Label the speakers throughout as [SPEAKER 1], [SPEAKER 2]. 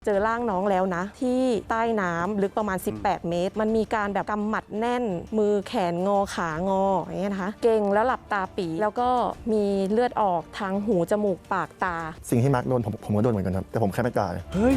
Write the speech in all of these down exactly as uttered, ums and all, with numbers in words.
[SPEAKER 1] เจอร่างน้องแล้วนะที่ใต้น้ำลึกประมาณสิบแปดเมตรมันมีการแบบกำหมัดแน่นมือแขนงอขางออย่างเงี้ยนะคะเก่งแล้วหลับตาปีแล้วก็มีเลือดออกทางหูจมูกปากตา
[SPEAKER 2] สิ่งที่มาร์คโดนผมผมก็โดนเหมือนกันครับแต่ผมแค่ไม่กล้า
[SPEAKER 3] เฮ้ย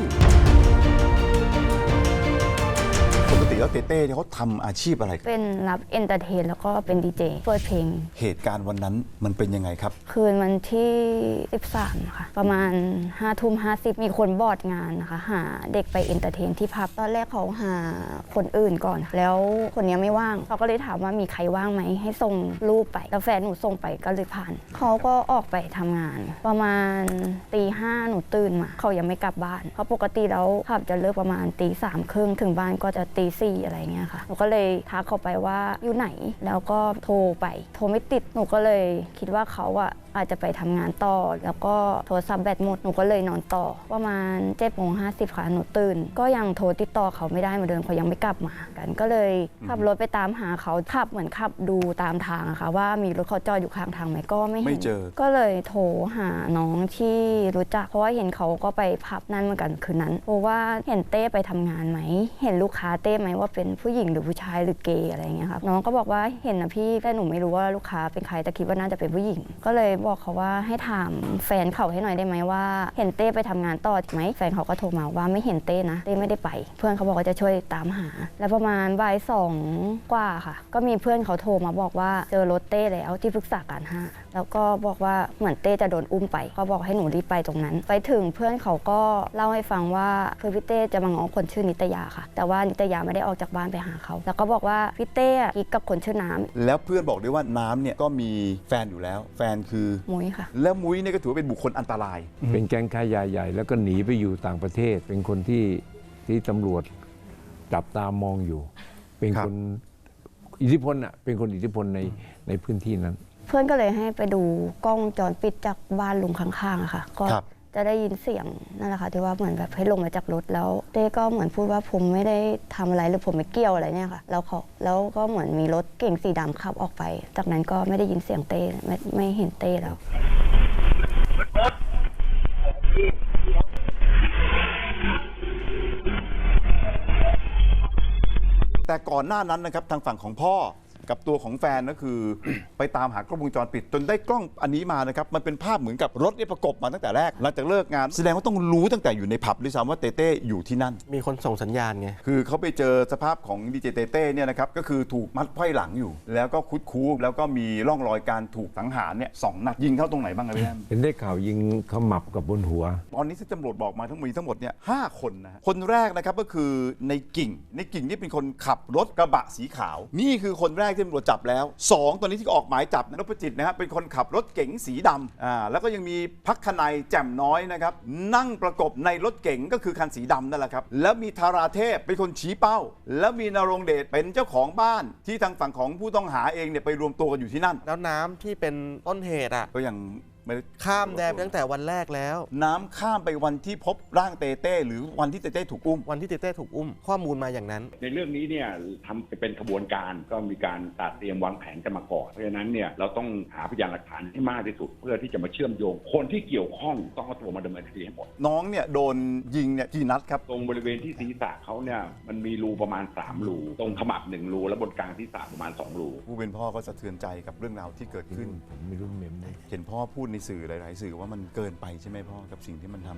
[SPEAKER 3] ปกติแล้วเต้เต้เนี่ยเขาทำอาชีพอะไร
[SPEAKER 4] เป็นรับเอนเตอร์เทนแล้วก็เป็นดีเจเปิดเพลง
[SPEAKER 3] เหตุการณ์วันนั้นมันเป็นยังไงครับ
[SPEAKER 4] คืนวันที่สิบสามค่ะประมาณห้าทุ่มห้าสิบมีคนบอร์ดงานนะคะหาเด็กไปเอนเตอร์เทนที่พับตอนแรกเขาหาคนอื่นก่อนแล้วคนนี้ไม่ว่างเขาก็เลยถามว่ามีใครว่างไหมให้ส่งรูปไปแล้วแฟนหนูส่งไปก็เลยผ่านเขาก็ออกไปทำงานประมาณตีห้าหนูตื่นมาเขายังไม่กลับบ้านเพราะปกติแล้วขับจะเลิกประมาณตีสามครึ่งถึงบ้านก็จะตีสี่อะไรเงี้ยค่ะหนูก็เลยทักเขาไปว่าอยู่ไหนแล้วก็โทรไปโทรไม่ติดหนูก็เลยคิดว่าเขาอะอาจจะไปทำงานต่อแล้วก็โทรศัพท์แบตหมดหนูก็เลยนอนต่อประมาณเจ็ดโมงห้าสิบค่ะหนูตื่นก็ยังโทรติดต่อเขาไม่ได้เหมือนเดิมเขายังไม่กลับมากันก็เลยขับรถไปตามหาเขาขับเหมือนขับดูตามทางอะค่ะว่ามีรถเขาจอดอยู่ข้างทางไหมก็ไม่เห็น
[SPEAKER 3] ไม่เจอ
[SPEAKER 4] ก็เลยโทรหาน้องที่รู้จักเพราะว่าเห็นเขาก็ไปพับนั่นเหมือนกันคืนนั้นเพราะว่าเห็นเต้ไปทำงานไหมเห็นลูกค้าเต้ไหมว่าเป็นผู้หญิงหรือผู้ชายหรือเกย์อะไรอย่างเงี้ยครับน้องก็บอกว่าเห็นนะพี่แต่หนูไม่รู้ว่าลูกค้าเป็นใครแต่คิดว่าน่าจะเป็นผู้หญิงก็เลยบอกเขาว่าให้ถามแฟนเขาให้หน่อยได้ไหมว่าเห็นเต้ไปทำงานต่อไหมแฟนเขาก็โทรมาว่าไม่เห็นเต้นะเต้ไม่ได้ไปเพื่อนเขาบอกว่าจะช่วยตามหาแล้วประมาณบ่ายสองกว่าค่ะก็มีเพื่อนเขาโทรมาบอกว่าเจอรถเต้แล้วที่ปรึกษาการห้าแล้วก็บอกว่าเหมือนเต้จะโดนอุ้มไปก็บอกให้หนูรีบไปตรงนั้นไปถึงเพื่อนเขาก็เล่าให้ฟังว่าคือพี่เต้จะมาง้อคนชื่อนิตยาค่ะแต่ว่านิตยาไม่ได้ออกจากบ้านไปหาเขาแล้วก็บอกว่าพี่เต้กิ๊กกับคนชื่อน้ำ
[SPEAKER 3] แล้วเพื่อนบอกด้วยว่าน้ำเนี่ยก็มีแฟนอยู่แล้วแฟนคือ
[SPEAKER 4] มุ้ยค่ะ
[SPEAKER 3] แล้วมุ้ยเนี่ยก็ถือว่าเป็นบุคคลอันตราย
[SPEAKER 5] เป็นแก๊งค้ายาใหญ่แล้วก็หนีไปอยู่ต่างประเทศเป็นคนที่ที่ตำรวจจับตามองอยู่เป็นคนอิทธิพลอ่ะเป็นคนอิทธิพลในในพื้นที่นั้น
[SPEAKER 4] เพื่อนก็เลยให้ไปดูกล้องจรปิดจากบ้านลุงข้างๆอะค่ะก็จะได้ยินเสียงนั่นแหละค่ะที่ว่าเหมือนแบบให้ลงมาจากรถแล้วเต้ก็เหมือนพูดว่าผมไม่ได้ทำอะไรหรือผมไม่เกี่ยวอะไรเนี่ยค่ะแล้วเขาแล้วก็เหมือนมีรถเก่งสีดำขับออกไปจากนั้นก็ไม่ได้ยินเสียงเต้ไม่ไม่เห็นเต้แล้ว
[SPEAKER 3] แต่ก่อนหน้านั้นนะครับทางฝั่งของพ่อกับตัวของแฟนก็คือ ไปตามหากล้องวงจรปิดจนได้กล้องอันนี้มานะครับมันเป็นภาพเหมือนกับรถเนี่ยประกบมาตั้งแต่แรกหลังจากเลิกงานแสดงว่าต้องรู้ตั้งแต่อยู่ในผับด้วยซ้ำว่าเต้เต้อยู่ที่นั่น
[SPEAKER 2] มีคนส่งสัญญาณไง
[SPEAKER 3] คือเขาไปเจอสภาพของดีเจเต้เต้เนี่ยนะครับก็คือถูกมัดไขว้หลังอยู่แล้วก็คุดคู้แล้วก็มีร่องรอยการถูกสังหารเนี่ยสองนัดยิงเข้าตรงไหนบ้างครับพี่แอม
[SPEAKER 5] เห็นได้ข่าวยิงขมับกับบนหัว
[SPEAKER 3] ตอนนี้ที่ตำรวจบอกมาทั้งหมดทั้งหมดเนี่ยห้าคนนะคนแรกนะครับก็คือในกิ่งในกิ่งนี่เป็นคนขับรถกระบะสีขาวนี่คือคนแรกที่ตำรวจจับแล้วสองตอนนี้ที่ออกหมายจับนพจิตนะครับเป็นคนขับรถเก๋งสีดำอ่าแล้วก็ยังมีพักขนัยแจ่มน้อยนะครับนั่งประกบในรถเก๋งก็คือคันสีดำนั่นแหละครับแล้วมีธาราเทพเป็นคนชี้เป้าแล้วมีนรงเดชเป็นเจ้าของบ้านที่ทางฝั่งของผู้ต้องหาเองเนี่ยไปรวมตัวกันอยู่ที่นั่น
[SPEAKER 2] แล้วน้ำที่เป็นต้นเหตุอ่ะ
[SPEAKER 3] ก็ยัง
[SPEAKER 2] ข้ามแดนตั้งแต่วันแรกแล้ว
[SPEAKER 3] น้ำข้ามไปวันที่พบร่างเต้เต้หรือวันที่เต้เต้ถูกอุ้ม
[SPEAKER 2] วันที่เต้เต้ถูกอุ้มข้อมูลมาอย่างนั้น
[SPEAKER 6] ในเรื่องนี้เนี่ยทำเป็นขบวนการก็มีการตัดเตรียมวางแผนกันมาก่อนเพราะฉะนั้นเนี่ยเราต้องหาพยานหลักฐานให้มากที่สุดเพื่อที่จะมาเชื่อมโยงคนที่เกี่ยวข้องต้องเอาตัวมาดำเนินคดีให้หมด
[SPEAKER 3] น้องเนี่ยโดนยิงเนี่ยกี่นัดครับ
[SPEAKER 6] ตรงบริเวณที่ศีรษะเขาเนี่ยมันมีรูประมาณสามรูตรงขมับหนึ่งรูและบนกลางศีรษะประมาณสองรู
[SPEAKER 3] ผู้เป็นพ่อก็สะเทือนใจกับเรื่องราวที่เกิดขึ้น
[SPEAKER 5] ผมไม่รู้เมมเลย
[SPEAKER 3] เห็นพ่อพูดในสื่อหลายๆสื่อว่ามันเกินไปใช่ไหมพ่อกับสิ่งที่มันทำ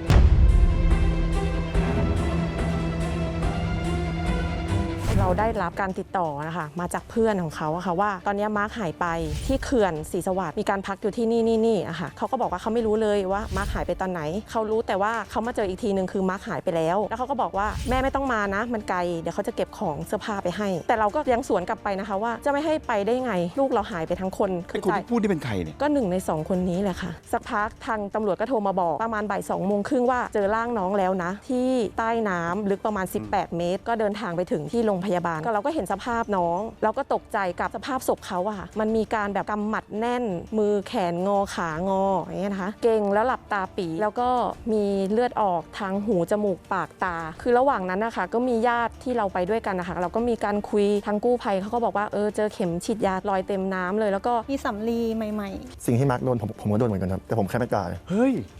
[SPEAKER 1] เราได้รับการติดต่อนะคะมาจากเพื่อนของเขาอะค่ะว่าตอนนี้มาร์คหายไปที่เขื่อนศรีสวัสดิ์มีการพักอยู่ที่นี่นี่นี่อะค่ะเขาก็บอกว่าเขาไม่รู้เลยว่ามาร์คหายไปตอนไหนเขารู้แต่ว่าเขามาเจออีกทีนึงคือมาร์คหายไปแล้วแล้วเขาก็บอกว่าแม่ไม่ต้องมานะมันไกลเดี๋ยวเขาจะเก็บของเสื้อผ้าไปให้แต่เราก็ยังสวนกลับไปนะคะว่าจะไม่ให้ไปได้ไงลูกเราหายไปทั้งคน
[SPEAKER 3] คือคนที่พูดที่เป็นใครเนี่ย
[SPEAKER 1] ก็หนึ่งในสองคนนี้แหละค่ะสักพักทางตำรวจก็โทรมาบอกประมาณบ่ายสองโมงครึ่งว่าเจอร่างน้องแล้วนะที่ใต้น้ำลึกประมาณสิบแปดเมตรก็เดินทางไปถึงที่โรงพยาบาลก็เราก็เห็นสภาพน้องเราก็ตกใจกับสภาพศพเขาอะค่ะมันมีการแบบกำหมัดแน่นมือแขนงอขางออย่างเงี้ยนะคะเก่งแล้วหลับตาปีแล้วก็มีเลือดออกทางหูจมูกปากตาคือระหว่างนั้นนะคะก็มีญาติที่เราไปด้วยกันนะคะเราก็มีการคุยทางกู้ภัยเขาก็บอกว่าเออเจอเข็มฉีดยารอยเต็มน้ำเลยแล้วก็
[SPEAKER 7] มีสำลีใหม่
[SPEAKER 2] ๆสิ่งที่มาร์คโดนผมผมก็โดนเหมือนกันครับแต่ผมแค่ไม่กล้า
[SPEAKER 3] เฮ้ย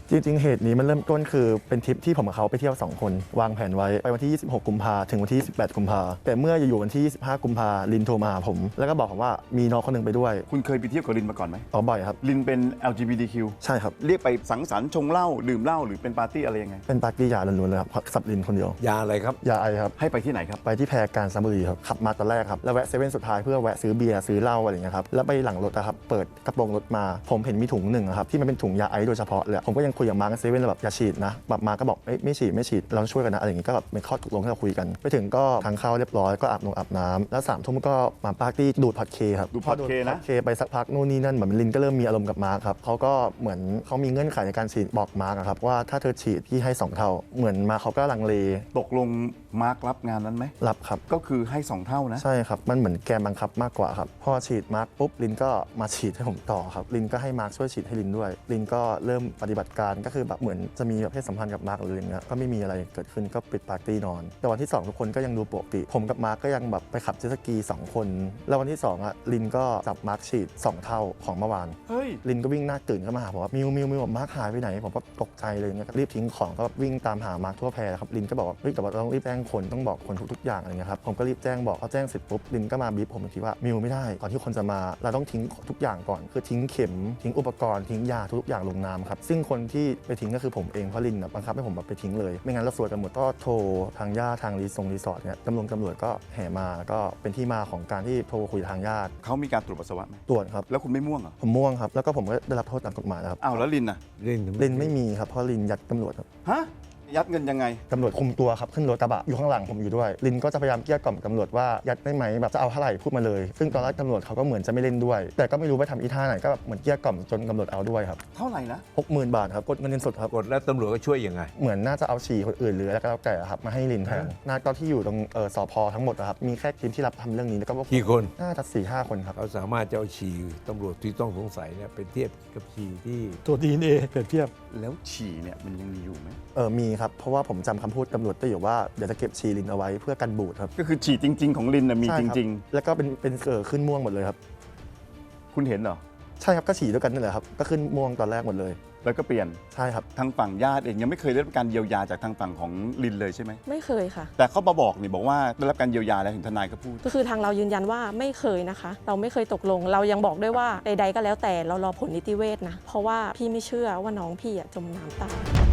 [SPEAKER 7] จริงๆเหตุนี้มันเริ่มต้นคือเป็นทริปที่ผมกับเขาไปเที่ยวสองคนวางแผนไว้ไปวันที่ยี่สิบหกกุมภาถึงวันที่ยี่สิบแปดกุมภาแต่เมื่ออยู่วันที่ยี่สิบห้ากุมภาลินโทรมาหาผมแล้วก็บอกผมว่ามีน้องคนหนึงไปด้วย
[SPEAKER 3] คุณเคยไปเที่ยวกับลินมาก่อนไหม
[SPEAKER 7] อ๋อบ่อยครับ
[SPEAKER 3] ลินเป็น แอล จี บี ที คิว
[SPEAKER 7] ใช่ครับ
[SPEAKER 3] เรียกไปสังสรรค์ชงเหล้าดื่มเหล้าหรือเป็นปาร์ตี้อะไรยังไง
[SPEAKER 7] เป็นปาร์ตี้ยาล้วนๆเลยครับสับลินคนเดียวย
[SPEAKER 5] าอะไรครับ
[SPEAKER 7] ยาไอครับ
[SPEAKER 3] ให้ไปที่ไหนครับ
[SPEAKER 7] ไปที่แพรกาญจนบุรีครับขับมาตอนแรกครับแล้วแวะเซเว่นสุดท้ายเพื่อแวะซื้อเบียร์ซื้อเหล้าอะไรอย่างเงี้ยครับแล้วไปหลังรถอะครับเปิดกระโปรงรถมาผมเห็นมีถุงหนึ่งอะครับที่มันเป็นถุงยาไอโดยเฉพาะเลยผมก็ยังคุยกับมาร์คเซเว่นแบบอย่าฉีดนะแบบมาร์คก็บอกเอ้ยไม่ฉีดไม่ฉีดเราช่วยกันนะอะไรอย่างงี้ก็แบบเป็นข้อตกลงที่เราคุยกันไปถึงก็ทานข้าวเรียบร้อยก็อาบนงอาบน้ำแล้วสามทุ่มก็มาปาร์ตี้ดูดพอดเคครับ
[SPEAKER 3] ดูดพอดเคนะ
[SPEAKER 7] พอเคไปสักพักนู่นนี่นั่นเหมือนลินก็เริ่มมีอารมณ์กับมาร์คครับเขาก็เหมือนเขามีเงื่อนไขในการฉีดบอกมาร์คอะครับว่าถ้าเธอฉีดพี่ให้สองเท่าเหมือนมาร์คเขาก็ลังเล
[SPEAKER 3] ตกลงมาร์ครับงานนั้นไหม
[SPEAKER 7] รับครับ
[SPEAKER 3] ก็คือให้สองเท่านะ
[SPEAKER 7] ใช่ครับมันเหมือนแกมบังคับมากกว่าครับพอฉีดมาร์คปุ๊บลินก็มาฉีดให้ผมต่อครับลินก็ให้มาร์คช่วยฉีดให้ลินด้วยลินก็เริ่มปฏิบัติการก็คือแบบเหมือนจะมีแบบเพศสัมพันธ์กับมาร์คหรืออะไรเงี้ยก็ไม่มีอะไรเกิดขึ้นก็ปิดปาร์ตี้นอนแต่วันที่สองทุกคนก็ยังดูปกติผมกับมาร์คก็ยังแบบไปขับเจ็ตสกีสองคนแล้ววันที่สองอ่ะลินก็จับมาร์คฉีดสองเท่าของเมื่อวาน
[SPEAKER 3] เฮ้ย
[SPEAKER 7] ลินก็วิ่งหน้าตื่นเข้ามาหาผมว่ามิวมิวมิวมาร์คหายไปไหนผมก็ตกใจเลยเนี่ยรีบทิ้งของก็วิ่งตามหามาร์คทั่วแพรครับลินก็บอกว่าเฮ้ยแต่ว่าเราต้องรีบแจ้งคนต้องบอกคนทุกๆอย่างอะไรเงี้ยครับผมก็รีบแจ้งบอกเขาแจ้งเสร็จปุ๊บลินก็มาบีบผมอีกทีว่ามิวไม่ได้ก่อนที่คนจะมาเราต้องทิ้งทุกอย่างก่อนคือทิ้งเข็มทิ้งอุปกรณ์ทิ้งยาทุกอย่างลงน้ำครับซึ่งคนที่ไปทิ้งก็คือผมเองเพราะลินนะบังคับให้ผมแบบไปทิ้งเลยไม่งั้นเราซวยกันหมดก็โทรทางญาติทางรีสอร์ทรีสอร์ทเนี่ยตำรวจตำรวจก็แห่มาก็เป็นที่มาของการที่โทรคุยทางญาติ
[SPEAKER 3] เขามีการตรวจปัสสาวะไหม
[SPEAKER 7] ตรวจครับ
[SPEAKER 3] แล้วคุณไม่ม่วงเหรอ
[SPEAKER 7] ผมม่วงครับแล้วก็ผมก็ได้รับโทษตามกฎหมายนะครับ
[SPEAKER 3] อ้าวแล้วลินน่ะ
[SPEAKER 5] เล่น
[SPEAKER 7] ลินไม่มีครับเพราะลินยัดตำรวจครับ
[SPEAKER 3] ฮะ ยัดเงินยังไง
[SPEAKER 7] ตำรวจคุมตัวครับขึ้นรถกระบะอยู่ข้างหลังผมอยู่ด้วยลินก็จะพยายามเกลี้ยกล่อมตำรวจว่ายัดได้ไหมแบบจะเอาเท่าไหร่พูดมาเลยซึ่งตอนแรกตำรวจเขาก็เหมือนจะไม่เล่นด้วย แต่ก็ไม่รู้ไปทำอีท่าไหนก็แบบเหมือนเกลี้ยกล่อมจนตำรวจเอาด้วยครับ
[SPEAKER 3] เท่าไหร่นะ
[SPEAKER 7] หกหมื่นบาทครับกดเงินเงินสดครับ
[SPEAKER 5] กดแล้วตำรวจก็ช่วยยังไง
[SPEAKER 7] เหมือนน่าจะเอาฉี่คนอื่นหรืออะไรก็แล้วแต่ครับมาให้ลินแทนหน้าก็ที่อยู่ตรงเออสพทั้งหมดนะครับมีแค่ทีมที่รับทำเรื่องนี้แล้วก็พวก
[SPEAKER 5] กี่คน
[SPEAKER 7] น่าจะสี่ห้าคนครับ
[SPEAKER 5] เขาสามารถจะเอาฉี่ตำรวจที่ต้องสงสัยเนี่ยไปเทียบกับฉี่ที่
[SPEAKER 7] ตัว ดี เอ็น เอ เปรียบเทียบ
[SPEAKER 3] แล้วฉี่เนี่ยมันยังมีอยู่ไหม
[SPEAKER 7] เออมีครับเพราะว่าผมจำคำพูดตำรวจได้อยู่ว่าเดี๋ยวจะเก็บฉี่ลินเอาไว้เพื่อกันบูดครับ
[SPEAKER 3] ก็คือฉี่จริง ๆ ของลินน่ะมี
[SPEAKER 7] ใช่
[SPEAKER 3] จ
[SPEAKER 7] ครับ
[SPEAKER 3] ริง
[SPEAKER 7] แล้วก็เป็นเป็นเกิดขึ้นม่วงหมดเลยครับ
[SPEAKER 3] ๆ คุณเห็นเหรอ
[SPEAKER 7] ใช่ครับก็ฉี่ด้วยกันนี่แหละครับก็ขึ้นม่วงตอนแรกหมดเลย
[SPEAKER 3] แล้วก็เปลี่ยน
[SPEAKER 7] ใช่ครับ
[SPEAKER 3] ทางฝั่งญาติเองยังไม่เคยได้รับการเยียวยาจากทางฝั่งของลินเลยใช่ไหม
[SPEAKER 1] ไม่เคยค่ะ
[SPEAKER 3] แต่เขามาบอกนี่บอกว่าได้รับการเยียวยาแล้วเห็นทนายก็พูด
[SPEAKER 1] ก็คือทางเรายืนยันว่าไม่เคยนะคะ เราไม่เคยตกลง เรายังบอกด้วยว่าใดๆก็แล้วแต่เรารอผลนิติเวชนะ เพราะว่าพี่ไม่เชื่อว่าน้องพี่อะจมน้ำตาย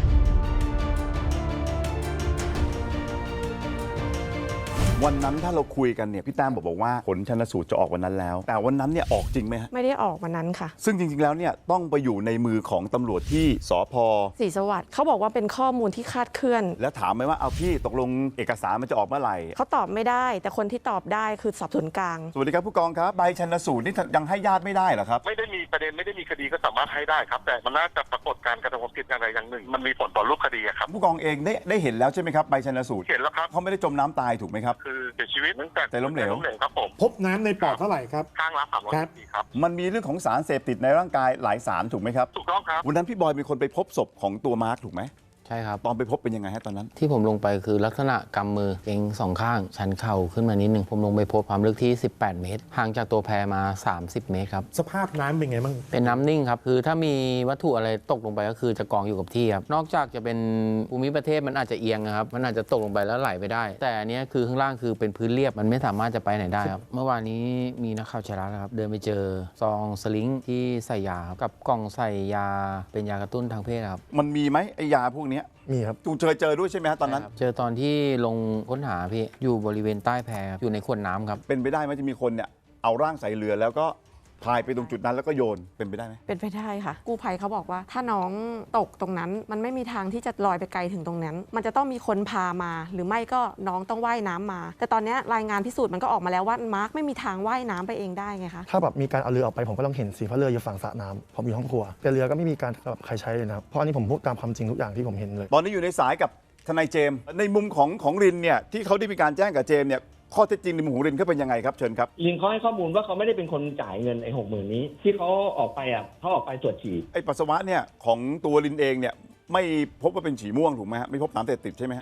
[SPEAKER 3] วันนั้นถ้าเราคุยกันเนี่ยพี่แต้มบอกบอกว่าผลชันสูตรจะออกวันนั้นแล้ว แต่วันนั้นเนี่ยออกจริงไหมฮะ
[SPEAKER 1] ไม่ได้ออกวันนั้นค่ะ
[SPEAKER 3] ซึ่งจริงๆแล้วเนี่ยต้องไปอยู่ในมือของตำรวจที่สพ
[SPEAKER 1] ศรีสวัสดิ์เขาบอกว่าเป็นข้อมูลที่คลาดเคลื่อน
[SPEAKER 3] แล้วถามไหมว่าเอาพี่ตกลงเอกสารมันจะออกเมื่อไหร่
[SPEAKER 1] เขาตอบไม่ได้ แต่คนที่ตอบได้คือสอบสวนกลาง
[SPEAKER 3] สวัสดีครับผู้กองครับใบชันสูตรนี่ยังให้ญาติไม่ได้เหรอครับ
[SPEAKER 8] ไม่ได้มีประเด็นไม่ได้มีคดีก็สามารถให้ได้ครับ แต่มันน่าจะปรากฏการกระทำความผิดอย่างใดอย่างหนึ่ง มันมีผลต่อรูปคดีอะครับ
[SPEAKER 3] ผู้กองเองได้ได้เห็นแล้วใช่ไหมครับใบชันสูตร
[SPEAKER 8] เห็นแล้วครับ
[SPEAKER 3] เขาไม่ได้จมน้ำตายถูกไหมครับ
[SPEAKER 8] คือเสียชีวิตเนื่องจาก
[SPEAKER 3] ใจล้มเหลว
[SPEAKER 8] ล้มเหลวครับผม
[SPEAKER 9] พบน้ำในปอดเท่าไหร่ครับ
[SPEAKER 8] ข้างละสามร้อยซีซีครับ
[SPEAKER 3] มันมีเรื่องของสารเสพติดในร่างกายหลายสารถูกไหมครับ
[SPEAKER 8] ถูกต้องครับ
[SPEAKER 3] วันนั้นพี่บอยเป็นคนไปพบศพของตัวมาร์คถูกไหม
[SPEAKER 10] ใช่ครับ
[SPEAKER 3] ตอนไปพบเป็นยังไงฮะตอนนั้น
[SPEAKER 10] ที่ผมลงไปคือลักษณะกำมือเกร็งสองข้าง ชันเข่าขึ้นมานิดนึง ผมลงไปพบความลึกที่ สิบแปด เมตร ห่างจากตัวแพมา สามสิบ เมตรครับ
[SPEAKER 9] สภาพน้ำเป็นไงบ้าง
[SPEAKER 10] เป็นน้ำนิ่งครับ คือถ้ามีวัตถุอะไรตกลงไปก็คือจะกองอยู่กับที่ครับ นอกจากจะเป็นภูมิประเทศมันอาจจะเอียงนะครับ มันอาจจะตกลงไปแล้วไหลไปได้ แต่อันเนี้ยคือข้างล่างคือเป็นพื้นเรียบ มันไม่สามารถจะไปไหนได้ครับ เมื่อวานนี้มีนักข่าวชาระนะครับ เดินไปเจอซองสลิงที่ใส่ยาครับกับกล่องใส่ยาเป็นยากระตุ้นทางเพศครับ
[SPEAKER 3] มันมีไหมไอยาพวกเนี้ย
[SPEAKER 7] มีครับ
[SPEAKER 3] ตูเคยเจอด้วยใช่ไหมฮะตอนนั้น
[SPEAKER 10] ใช่ครับเจอตอนที่ลงค้นหาพี่อยู่บริเวณใต้แพครับอยู่ในขวดน้ำครับ
[SPEAKER 3] เป็นไปได้ไหมจะมีคนเนี่ยเอาร่างใส่เรือแล้วก็พายไปตรงจุดนั้นแล้วก็โยนเป็นไปได้ไหม
[SPEAKER 1] เป็นไปได้ค่ะ กู้ภัยเขาบอกว่าถ้าน้องตกตรงนั้น มันไม่มีทางที่จะลอยไปไกลถึงตรงนั้น มันจะต้องมีคนพามา หรือไม่ก็น้องต้องว่ายน้ำมา แต่ตอนนี้รายงานพิสูจน์มันก็ออกมาแล้วว่ามาร์คไม่มีทางว่ายน้ำไปเองได้ไงคะ
[SPEAKER 7] ถ้าแบบมีการเอาเรือออกไปผมก็ต้องเห็นสิเพราะเรืออยู่ฝั่งสระน้ำผมอยู่ห้องครัวแต่เรือก็ไม่มีการแบบใครใช้เลยนะครับเพราะอันนี้ผมพูดตามความจริงทุกอย่างที่ผมเห็นเลย
[SPEAKER 3] ตอนนี้อยู่ในสายกับทนายเจมส์ในมุมของของรินเนี่ยที่เขาได้มีการแจ้งกับเจมส์เนี่ยข้อเท็จจริงในมุมของรินเขาเป็นยังไงครับเชิญครับ
[SPEAKER 11] ลินเขาให้ข้อมูลว่าเขาไม่ได้เป็นคนจ่ายเงินไอ้หกหมื่นนี้ ที่เขาออกไปอ่ะเขาออกไปตรวจฉี่
[SPEAKER 3] ไอปัสสาวะเนี่ยของตัวรินเองเนี่ยไม่พบว่าเป็นฉี่ม่วงถูกไหมฮะไม่พบสารเสพติดใช่ไหมฮะ
[SPEAKER 11] ครับ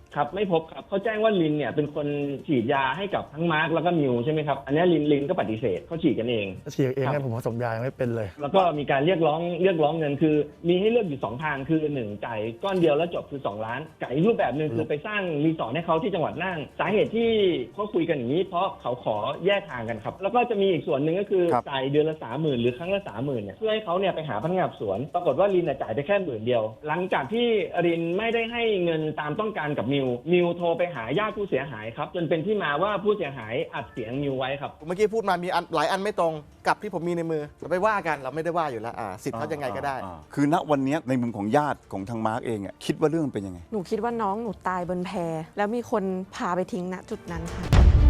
[SPEAKER 11] ครับไม่พบครับเขาแจ้งว่าลินเนี่ยเป็นคนฉีดยาให้กับทั้งมาร์คแล้วก็มิวใช่ไหมครับอันนี้ลินลินก็ปฏิเสธเขาฉีดกันเอง
[SPEAKER 7] ฉีดเองเนี่ยผมผสมยายังไม่เป็นเลย
[SPEAKER 11] แล้วก็มีการเรียกร้องเรียกร้องเงินคือมีให้เลือกอยู่สองทางคือหนึ่งจ่ายก้อนเดียวแล้วจบคือสองล้านกับอีกรูปแบบหนึ่งคือไปสร้างรีสอร์ทให้เขาที่จังหวัดน่านสาเหตุที่เขาคุยกันอย่างนี้เพราะเขาขอแยกทางกันครับแล้วก็จะมีอีกส่วนหนึ่งก็คือจ่ายเดือนละสามหมื่นหรือครั้งละสามหมื่นเนี่ยเพื่อให้เขาเนี่ยไปหาพนักงานสอบสวนปรากฏว่าลินจ่ายไปแค่หมื่นเดียวหลังจากที่ลินไม่ได้ให้เงินตามต้องการกับมิวมิวโทรไปหาญาติผู้เสียหายครับจนเป็นที่มาว่าผู้เสียหายอัดเสียงมิวไว้ครับ
[SPEAKER 2] เมื่อกี้พูดมามีอันหลายอันไม่ตรงกับที่ผมมีในมือเราไปว่ากันเราไม่ได้ว่าอยู่แล้วอ่าสิทธิ์เขายังไงก็ได้
[SPEAKER 3] อ่าคือณวันนี้ในมุมของญาติของทางมาร์กเองอ่ะคิดว่าเรื่องมันเป็นยังไง
[SPEAKER 1] หนูคิดว่าน้องหนูตายบนแพแล้วมีคนพาไปทิ้งณจุดนั้นค่ะ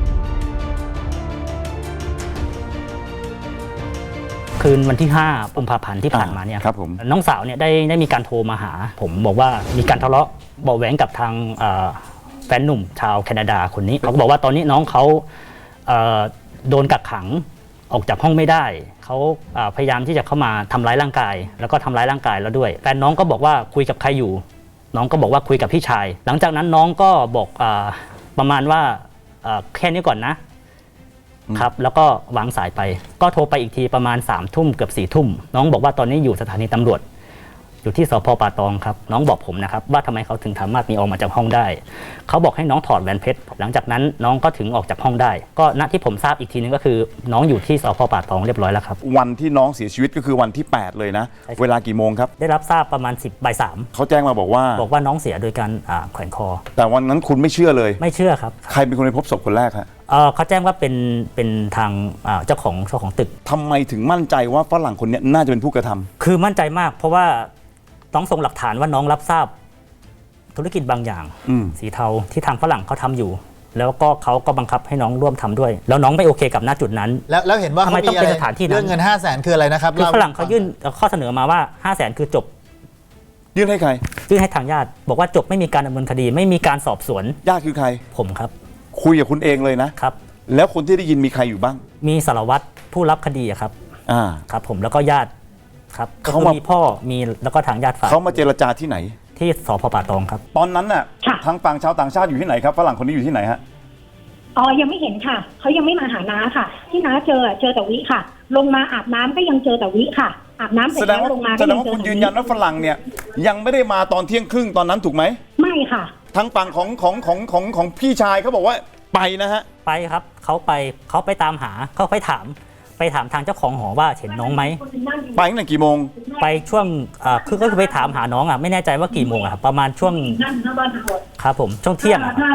[SPEAKER 12] คืนวันที่ห้ากุมภาพันธ์ที่ผ่านมาเนี่ย
[SPEAKER 3] ครับผม
[SPEAKER 12] น้องสาวเนี่ยได้ได้มีการโทรมาหา ผมบอกว่ามีการทะเลาะเบาะแหวงกับทางเอ่อแฟนหนุ่มชาวแคนาดาคนนี้เขาก็บอกว่าตอนนี้น้องเขาเอ่อโดนกักขังออกจากห้องไม่ได้เขาเอ่อพยายามที่จะเข้ามาทำร้ายร่างกาย แล้วก็ทำร้ายร่างกายแล้วด้วยแฟนน้องก็บอกว่าคุยกับใครอยู่ น้องก็บอกว่าคุยกับพี่ชาย หลังจากนั้นน้องก็บอกเอ่อประมาณว่าเอ่อแค่นี้ก่อนนะครับแล้วก็วางสายไปก็โทรไปอีกทีประมาณ3ามทุ่มเกือบสี่ทุ่มน้องบอกว่าตอนนี้อยู่สถานีตำรวจอยู่ที่สพป่าตองครับน้องบอกผมนะครับว่าทำไมเขาถึงสามารถมีออกมาจากห้องได้เขาบอกให้น้องถอดแหวนเพชรหลังจากนั้นน้องก็ถึงออกจากห้องได้ก็ณที่ผมทราบอีกทีนึงก็คือน้องอยู่ที่สพป่าตองเรียบร้อยแล้วครับ
[SPEAKER 3] วันที่น้องเสียชีวิตก็คือวันที่แปดเลยนะเวลากี่โมงครับ
[SPEAKER 12] ได้รับทราบประมาณสิบบ่ายสาม
[SPEAKER 3] เขาแจ้งมาบอกว่า
[SPEAKER 12] บอกว่าน้องเสียโดยการอ่าแขวนคอ
[SPEAKER 3] แต่วันนั้นคุณไม่เชื่อเลย
[SPEAKER 12] ไม่เชื่อครับ
[SPEAKER 3] ใครเป็นคนไปพบศพคนแรกฮะ
[SPEAKER 12] เอ่อเขาแจ้งว่าเป็นเป็นทางอ่าเจ้าของเจ้าของตึก
[SPEAKER 3] ทำไมถึงมั่นใจว่าฝรั่งคนนี้น่าจะเป็นผู้กระทำ
[SPEAKER 12] คือมั่นใจมากเพราะว่าน้องส่งหลักฐานว่าน้องรับทราบธุรกิจบางอย่าง
[SPEAKER 3] อืม
[SPEAKER 12] สีเทาที่ทางฝรั่งเขาทำอยู่ แล้วก็เขาก็บังคับให้น้องร่วมทำด้วย แล้วน้องไม่โอเคกับณจุดนั้น
[SPEAKER 13] แล้วแล้วเห็นว่า
[SPEAKER 12] ทำไม
[SPEAKER 13] เขา
[SPEAKER 12] ต้อง
[SPEAKER 13] มีอะ
[SPEAKER 12] เป็น
[SPEAKER 13] ไร
[SPEAKER 12] สถานที่นั้น
[SPEAKER 13] เรื่องเงินห้าแสนคืออะไรนะครับ
[SPEAKER 12] คือฝรั่งเขายื่นข้อเสนอมาว่าห้าแสนคือจบ
[SPEAKER 3] ยื่นให้ใคร
[SPEAKER 12] ยื่นให้ทางญาติบอกว่าจบไม่มีการดำเนินคดี ไม่มีการสอบสวน
[SPEAKER 3] ญาติคือใคร
[SPEAKER 12] ผมครับ
[SPEAKER 3] คุยกับคุณเองเลยนะครับ แล้วคนที่ได้ยินมีใครอยู่บ้าง
[SPEAKER 12] มีสารวัตรผู้รับคดีอะครับ
[SPEAKER 3] อ่า
[SPEAKER 12] ครับผมแล้วก็ญาติครับก็
[SPEAKER 3] เขา
[SPEAKER 12] คือ
[SPEAKER 3] มา
[SPEAKER 12] มีพ่อมีแล้วก็ทางญาติฝ่าย
[SPEAKER 3] เขามาเจรจาที่ไหน
[SPEAKER 12] ที่สพป่าตองครับ
[SPEAKER 3] ตอนนั้นน่ะทางฝั่งชาวต่างชาติอยู่ที่ไหนครับฝรั่งคนนี้อยู่ที่ไหนฮะ
[SPEAKER 14] อ๋อยังไม่เห็นค่ะเขายังไม่มาหาน้าค่ะ ที่น้าเจอเจอแต่วิค่ะ ลงมาอาบน้ำก็ยังเจอแต่วิค่ะอาบน้ำเสร็
[SPEAKER 3] แส
[SPEAKER 14] จ
[SPEAKER 3] ด
[SPEAKER 14] แล้
[SPEAKER 3] ง
[SPEAKER 14] ว
[SPEAKER 3] ว่า
[SPEAKER 14] ลงมา
[SPEAKER 3] แส
[SPEAKER 14] ก็
[SPEAKER 3] ด
[SPEAKER 14] ยัง ง
[SPEAKER 3] ว่า
[SPEAKER 14] เจอ
[SPEAKER 3] คุณ
[SPEAKER 14] แต่
[SPEAKER 3] ยืน
[SPEAKER 14] วิ
[SPEAKER 3] ยันว่าฝรั่งเนี่ยยังไม่ได้มาตอนเที่ยงครึ่งตอนนั้นถูกไหม
[SPEAKER 14] ไม่ค่ะ
[SPEAKER 3] ทางฝั่งของของของของของพี่ชายเขาบอกว่าไปนะฮะ
[SPEAKER 12] ไปครับเขาไปเขาไปตามหาเขาไปถามไปถามทางเจ้าของหอว่าเห็นน้องไหม
[SPEAKER 3] ไปตั้งแต่กี่โมง
[SPEAKER 12] ไปช่วงอ่าคือก็คือไปถามหาน้องอ่ะไม่แน่ใจว่ากี่โมงอ่ะครับประมาณช่วงครับผมช่วงเที่ยงอะครับ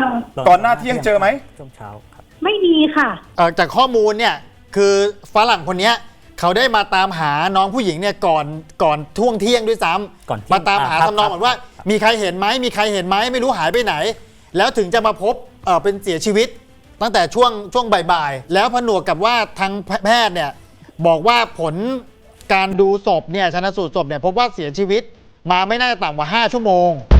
[SPEAKER 3] ก่อนหน้าเที่ยงเจอไหม
[SPEAKER 12] ช่วงเช้าครับ
[SPEAKER 14] ไม่มีค่ะ
[SPEAKER 13] เอ่อจากข้อมูลเนี่ยคือฝรั่งคนเนี้ยเขาได้มาตามหาน้องผู้หญิงเนี่ยก่อนก่อนท่วงเที่ยงด้วยซ้ำ
[SPEAKER 12] ก่อนเที่ยง
[SPEAKER 13] มาตามหา
[SPEAKER 12] อ่าครับ
[SPEAKER 13] ทำนองเหมือนว่า มีใครเห็นไหมมีใครเห็นไหมไม่รู้หายไปไหน แล้วถึงจะมาพบเอ่อเป็นเสียชีวิต ตั้งแต่ช่วงช่วงบ่ายๆแล้วผนวกกับว่าทางแพทย์เนี่ยบอกว่าผลการดูศพเนี่ยชันสูตรศพเนี่ยพบว่าเสียชีวิตมาไม่น่าจะต่ำกว่าห้าชั่วโมง